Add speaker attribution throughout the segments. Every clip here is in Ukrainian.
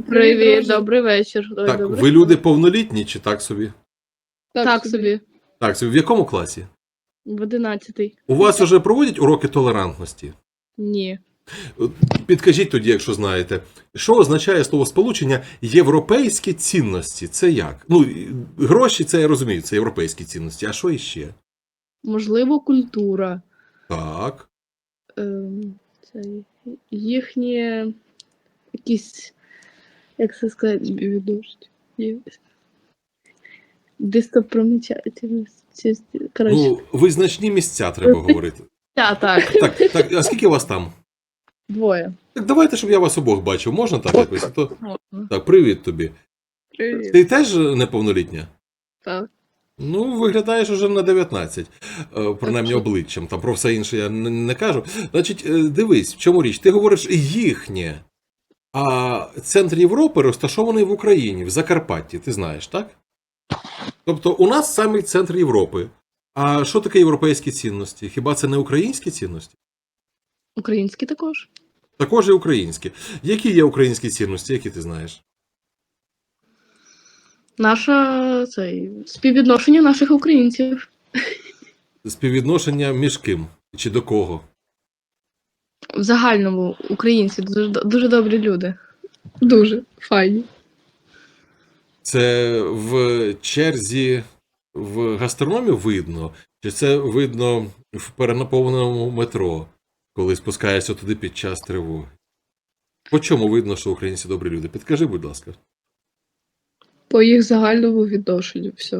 Speaker 1: Привіт, добрий вечір. Ой,
Speaker 2: Так,
Speaker 1: добрий.
Speaker 2: ви люди повнолітні чи так собі?
Speaker 1: Так собі.
Speaker 2: Так собі. В якому класі?
Speaker 1: В 11-й.
Speaker 2: У вас вже проводять уроки толерантності?
Speaker 1: Ні.
Speaker 2: Підкажіть тоді, якщо знаєте, що означає словосполучення «європейські цінності»? Це як? Ну, гроші, це я розумію, це європейські цінності. А що іще?
Speaker 1: Можливо, культура.
Speaker 2: Так.
Speaker 1: Це їхні якісь, як це сказати, відношення. Достопримічательності. Коротше.
Speaker 2: Ну, визначні місця треба говорити.
Speaker 1: Так.
Speaker 2: Так, а скільки вас там?
Speaker 1: 2.
Speaker 2: Так давайте, щоб я вас обох бачив. Можна так якось? А то...
Speaker 1: Можна.
Speaker 2: Так, привіт тобі.
Speaker 1: Привіт.
Speaker 2: Ти теж неповнолітня?
Speaker 1: Так.
Speaker 2: Ну, виглядаєш уже на 19, принаймні обличчям, там про все інше я не кажу. Значить, дивись, в чому річ? Ти говориш їхнє, а центр Європи розташований в Україні, в Закарпатті, ти знаєш, так? Тобто у нас саме центр Європи. А що таке європейські цінності? Хіба це не українські цінності?
Speaker 1: Українські також.
Speaker 2: Також і українські. Які є українські цінності, які ти знаєш?
Speaker 1: Співвідношення наших українців.
Speaker 2: Співвідношення між ким? Чи до кого?
Speaker 1: В загальному українці дуже добрі люди. Дуже файні.
Speaker 2: Це в черзі в гастрономі видно? Чи це видно в перенаповненому метро, коли спускаєшся туди під час тривоги? По чому видно, що українці добрі люди? Підкажи, будь ласка.
Speaker 1: По їх загальному відношенню, все.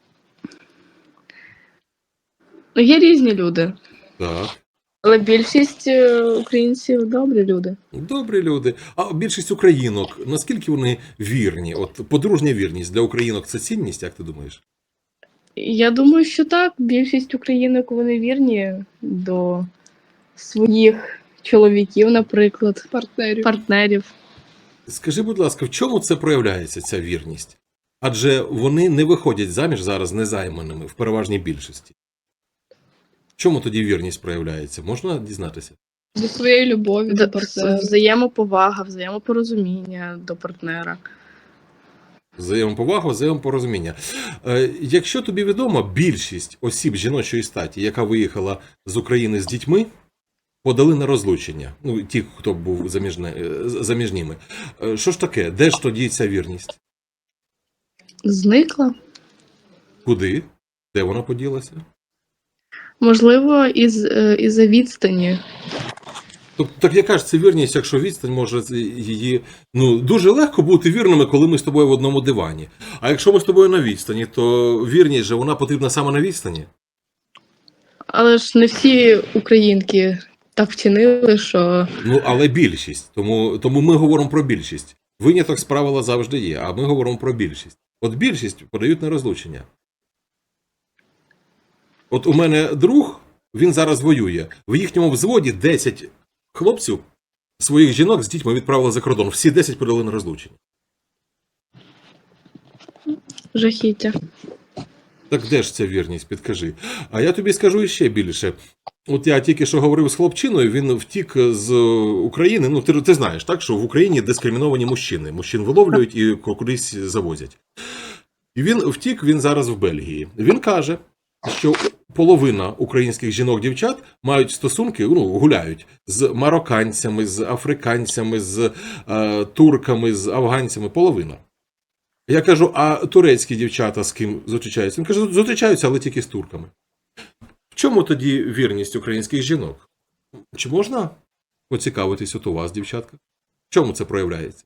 Speaker 1: Ну, є різні люди.
Speaker 2: Так.
Speaker 1: Але більшість українців добрі люди.
Speaker 2: Добрі люди. А більшість українок, наскільки вони вірні? От подружня вірність для українок – це цінність, як ти думаєш?
Speaker 1: Я думаю, що так. Більшість українок, вони вірні до своїх чоловіків, наприклад. Партнерів.
Speaker 2: Скажи, будь ласка, в чому це проявляється, ця вірність? Адже вони не виходять заміж зараз незайманими, в переважній більшості. В чому тоді вірність проявляється? Можна дізнатися?
Speaker 3: До своєї любові до партнера.
Speaker 1: Взаємоповага, взаємопорозуміння до партнера.
Speaker 2: Взаємоповага, взаємопорозуміння. Якщо тобі відомо, більшість осіб жіночої статі, яка виїхала з України з дітьми, подали на розлучення. Ну, ті, хто був заміжніми. Що ж таке? Де ж тоді ця вірність?
Speaker 1: Зникла.
Speaker 2: Куди? Де вона поділася?
Speaker 1: Можливо, із-за відстані.
Speaker 2: Тобто, так яка ж це вірність, якщо відстань може її... Ну, дуже легко бути вірними, коли ми з тобою в одному дивані. А якщо ми з тобою на відстані, то вірність же вона потрібна саме на відстані.
Speaker 1: Але ж не всі українки так вчинили, що...
Speaker 2: Ну, але більшість. Тому ми говоримо про більшість. Виняток з правила завжди є, а ми говоримо про більшість. От більшість подають на розлучення. От у мене друг, він зараз воює. В їхньому взводі 10 хлопців своїх жінок з дітьми відправили за кордон. Всі 10 подали на розлучення.
Speaker 1: Жахіття.
Speaker 2: Так де ж ця вірність, підкажи. А я тобі скажу іще більше. От я тільки що говорив з хлопчиною, він втік з України. Ну, ти знаєш, так, що в Україні дискриміновані мужчини. Мужчин виловлюють і кудись завозять. І він втік, він зараз в Бельгії. Він каже, що половина українських жінок-дівчат мають стосунки, ну, гуляють з марокканцями, з африканцями, з турками, з афганцями. Половина. Я кажу, а турецькі дівчата з ким зустрічаються? Він каже, зустрічаються, але тільки з турками. В чому тоді вірність українських жінок? Чи можна поцікавитись от у вас, дівчатка? В чому це проявляється?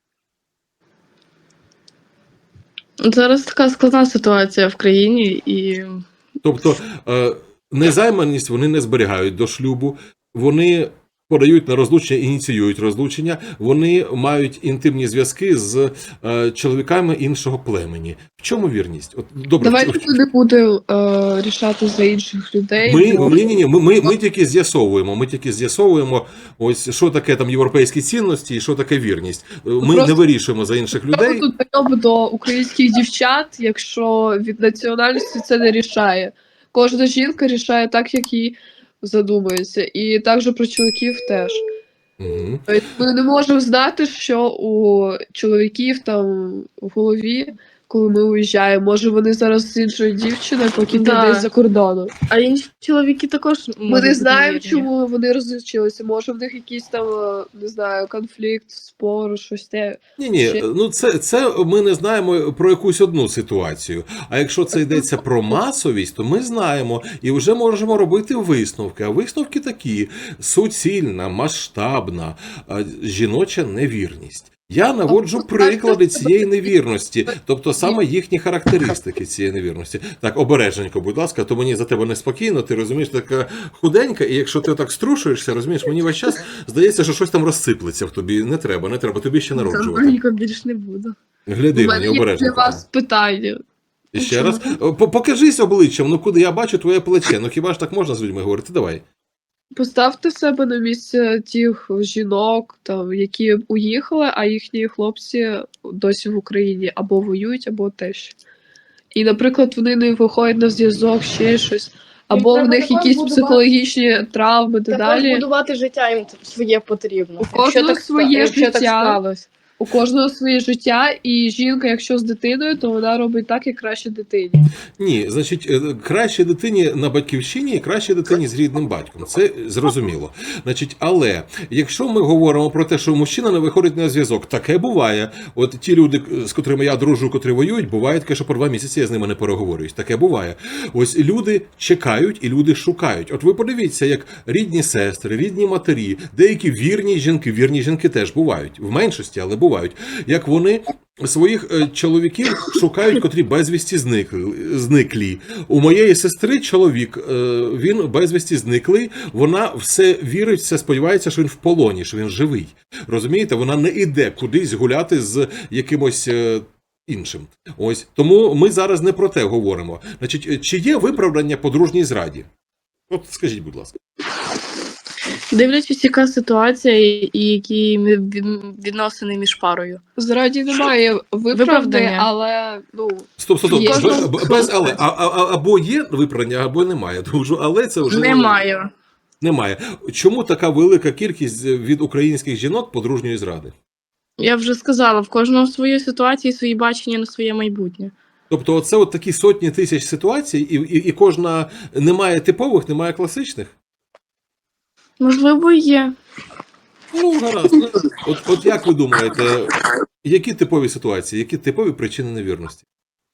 Speaker 1: Зараз така складна ситуація в країні і...
Speaker 2: Тобто, незайманість вони не зберігають до шлюбу, вони подають на розлучення, ініціюють розлучення, вони мають інтимні зв'язки з чоловіками іншого племені. В чому вірність? От, добре,
Speaker 3: Давайте не буде рішати за інших людей.
Speaker 2: Ми тільки з'ясовуємо, ось що таке там європейські цінності і що таке вірність. Ми не вирішуємо за інших людей.
Speaker 3: Тут прийом до українських дівчат, якщо від національності це не рішає. Кожна жінка рішає так, як їй задумається. І також про чоловіків теж.
Speaker 2: Угу.
Speaker 3: Тобто ми не можемо знати, що у чоловіків там в голові, коли ми уїжджаємо. Може вони зараз з іншою дівчиною, поки ти
Speaker 1: Да.
Speaker 3: десь за кордоном.
Speaker 1: А інші чоловіки також
Speaker 3: Ми
Speaker 1: можуть
Speaker 3: не
Speaker 1: бути
Speaker 3: знаємо,
Speaker 1: невірні.
Speaker 3: чому вони розлучилися. Може в них якийсь там, не знаю, конфлікт, спор, щось те.
Speaker 2: Ні,
Speaker 3: Ще-
Speaker 2: ну це ми не знаємо про якусь одну ситуацію. А якщо це йдеться про масовість, то ми знаємо і вже можемо робити висновки. А висновки такі: суцільна, масштабна, жіноча невірність. Я наводжу приклади цієї невірності, тобто саме їхні характеристики цієї невірності. Так, обережненько, будь ласка, то мені за тебе неспокійно, ти розумієш, така худенька, і якщо ти так струшуєшся, розумієш, мені весь час здається, що щось там розсиплеться в тобі. Не треба, тобі ще народжувати.
Speaker 1: Ніколи більш не буду.
Speaker 2: Гляди
Speaker 3: У
Speaker 2: мені
Speaker 3: мене є для
Speaker 2: обережненько.
Speaker 3: вас питання.
Speaker 2: І ще раз. Покажись обличчям, ну куди я бачу твоє плече. Ну хіба ж так можна з людьми говорити? Давай.
Speaker 3: Поставте себе на місце тих жінок, там, які уїхали, а їхні хлопці досі в Україні або воюють, або теж. І, наприклад, вони не виходять на зв'язок, ще щось, або в
Speaker 1: треба
Speaker 3: них
Speaker 1: також
Speaker 3: якісь
Speaker 1: будувати-
Speaker 3: психологічні травми та
Speaker 1: Також
Speaker 3: далі.
Speaker 1: будувати життя їм своє потрібно.
Speaker 3: У кожного своє
Speaker 1: якщо так
Speaker 3: життя.
Speaker 1: сталося.
Speaker 3: У кожного своє життя, і жінка, якщо з дитиною, то вона робить так, як краще дитині.
Speaker 2: Ні, значить, краще дитині на батьківщині і краще дитині з рідним батьком. Це зрозуміло. Значить, але якщо ми говоримо про те, що мужчина не виходить на зв'язок, таке буває. От ті люди, з котрими я дружу, котрі воюють, буває таке, що по 2 місяці я з ними не переговорююсь. Таке буває. Ось люди чекають і люди шукають. От ви подивіться, як рідні сестри, рідні матері, деякі вірні жінки теж бувають. В меншості, але бувають. Як вони своїх чоловіків шукають, котрі безвісті зниклі. У моєї сестри чоловік, він безвісті зниклий, вона все вірить, все сподівається, що він в полоні, що він живий. Розумієте, вона не іде кудись гуляти з якимось іншим. Ось. Тому ми зараз не про те говоримо. Значить, чи є виправдання подружній зраді? От скажіть, будь ласка.
Speaker 1: Дивлячись, яка ситуація і які відносини між парою.
Speaker 3: Зраді немає виправдання,
Speaker 1: Виправдання.
Speaker 3: але ну
Speaker 2: Стоп.
Speaker 3: Є.
Speaker 2: Без але. Або є виправдання, або немає. Тому що але це вже
Speaker 1: Немає.
Speaker 2: немає. Чому така велика кількість від українських жінок подружньої зради?
Speaker 1: Я вже сказала, в кожного свої ситуації, свої бачення на своє майбутнє.
Speaker 2: Тобто, оце от такі сотні тисяч ситуацій, і кожна немає типових, немає класичних.
Speaker 1: Можливо, і є.
Speaker 2: Ну, гаразд. От як ви думаєте, які типові ситуації, які типові причини невірності?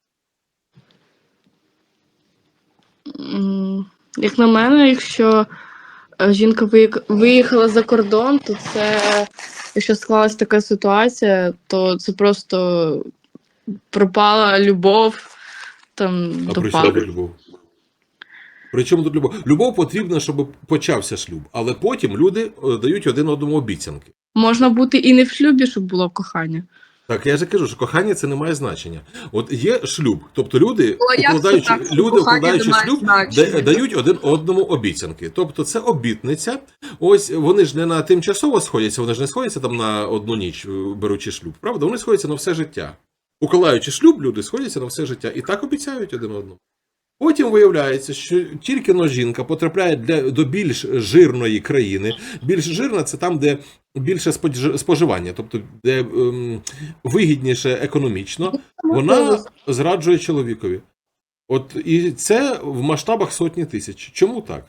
Speaker 1: Як на мене, якщо жінка виїхала за кордон, то це, якщо склалась така ситуація, то це просто пропала любов там,
Speaker 2: А
Speaker 1: до
Speaker 2: при чому тут
Speaker 1: пари.
Speaker 2: любов? При чому тут любов? Любов потрібна, щоб почався шлюб, але потім люди дають один одному обіцянки.
Speaker 1: Можна бути і не в шлюбі, щоб було кохання.
Speaker 2: Так, я ж кажу, що кохання це не має значення. От є шлюб, тобто люди,
Speaker 3: а як це так, що кохання
Speaker 2: укладаючи
Speaker 3: не має
Speaker 2: шлюб,
Speaker 3: значення?
Speaker 2: дають один одному обіцянки. Тобто це обітниця. Ось вони ж не на тимчасово сходяться, вони ж не сходяться там на одну ніч, беручи шлюб, правда? Вони сходяться на все життя. Укладаючи шлюб, люди сходяться на все життя і так обіцяють один одному. Потім виявляється, що тільки но жінка потрапляє до більш жирної країни. Більш жирна – це там, де більше споживання, тобто де вигідніше економічно, вона зраджує чоловікові. От і це в масштабах сотні тисяч. Чому так?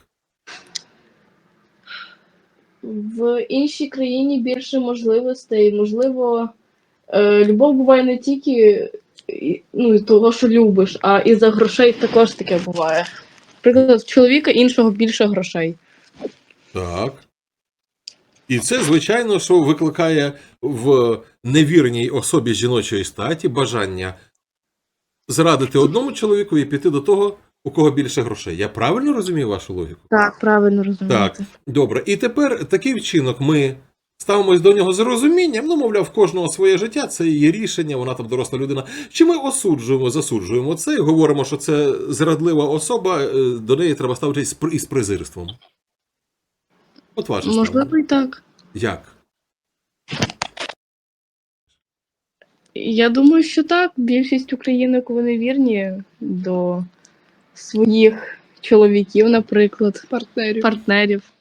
Speaker 1: В іншій країні більше можливостей. Можливо, любов буває не тільки того, що любиш, а і за грошей також таке буває. Наприклад, в чоловіка іншого більше грошей.
Speaker 2: Так. І це, звичайно, що викликає в невірній особі жіночої статі бажання зрадити одному чоловіку і піти до того, у кого більше грошей. Я правильно розумію вашу логіку?
Speaker 1: Так, правильно розумієте.
Speaker 2: Так, добре. І тепер такий вчинок ми ставимось до нього з розумінням, ну, мовляв, в кожного своє життя, це її рішення, вона там доросла людина. Чи ми засуджуємо це і говоримо, що це зрадлива особа, до неї треба ставитись із презирством? От ваше ставлення.
Speaker 1: Можливо, і так.
Speaker 2: Як?
Speaker 1: Я думаю, що так. Більшість українок, вони вірні до своїх чоловіків, наприклад,
Speaker 3: партнерів.
Speaker 1: партнерів.